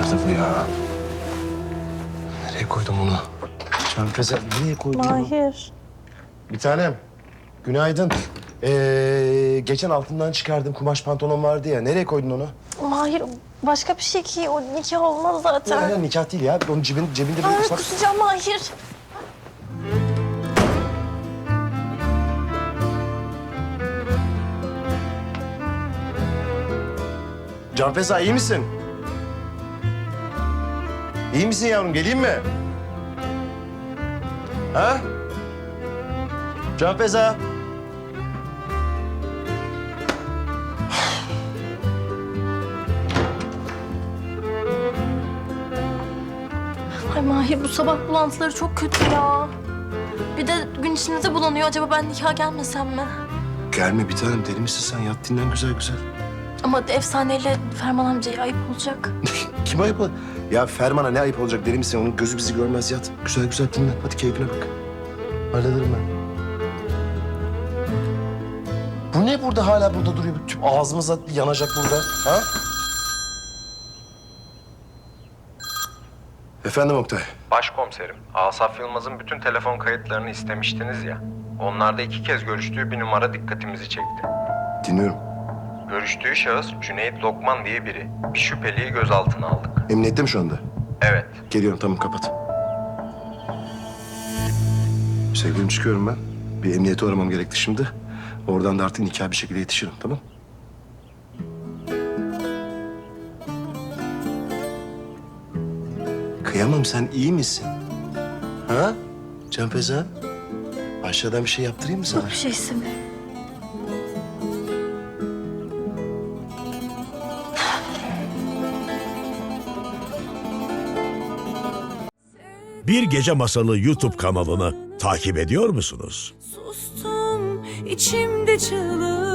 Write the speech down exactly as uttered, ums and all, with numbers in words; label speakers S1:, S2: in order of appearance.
S1: kırdı bu ya? Nereye koydum bunu? Canfeze nereye koydum bunu?
S2: Mahir.
S1: Bir tanem. Günaydın. Ee, geçen altından çıkardım kumaş pantolon vardı ya. Nereye koydun onu?
S2: Mahir başka bir şey ki o nikah olmaz zaten.
S1: Ya, ya, nikah değil ya. Onun cebin, cebinde bir
S2: Ay,
S1: ufak...
S2: kusacağım Mahir.
S1: Canfeza iyi misin? İyi misin yavrum? Geleyim mi? Ha? Canfeza.
S2: Ay Mahir bu sabah bulantıları çok kötü ya. Bir de gün içinde de bulanıyor. Acaba ben nikah gelmesem mi?
S1: Gelme bir tanem. Deli misin sen? Yat dinlen güzel güzel.
S2: Ama efsaneyle Ferman amcaya ayıp olacak.
S1: Kim ayıp ol- Ya Ferman'a ne ayıp olacak deli misin? Onun gözü bizi görmez yat. Güzel güzel dinlen. Hadi keyfine bak. Hallederim ben. Bu ne burada hala burada duruyor? Tüm ağzımıza yanacak burada. Ha? Efendim Oktay.
S3: Başkomiserim, Asaf Yılmaz'ın bütün telefon kayıtlarını istemiştiniz ya. Onlarda iki kez görüştüğü bir numara dikkatimizi çekti.
S1: Dinliyorum.
S3: Görüştüğü şahıs Cüneyt Lokman diye biri. Bir şüpheliyi gözaltına aldık.
S1: Emniyette mi şu anda?
S3: Evet.
S1: Geliyorum tamam kapat. Sevgilim çıkıyorum ben. Bir emniyeti aramam gerekti şimdi. Oradan da artık nikah bir şekilde yetişirim tamam? Kıyamam sen iyi misin? Ha? Canfeza? Aşağıdan bir şey yaptırayım mı sana?
S2: Yok bir şeysi mi?
S4: Bir Gece Masalı YouTube kanalını takip ediyor musunuz?
S5: Sustum içimde çığlık.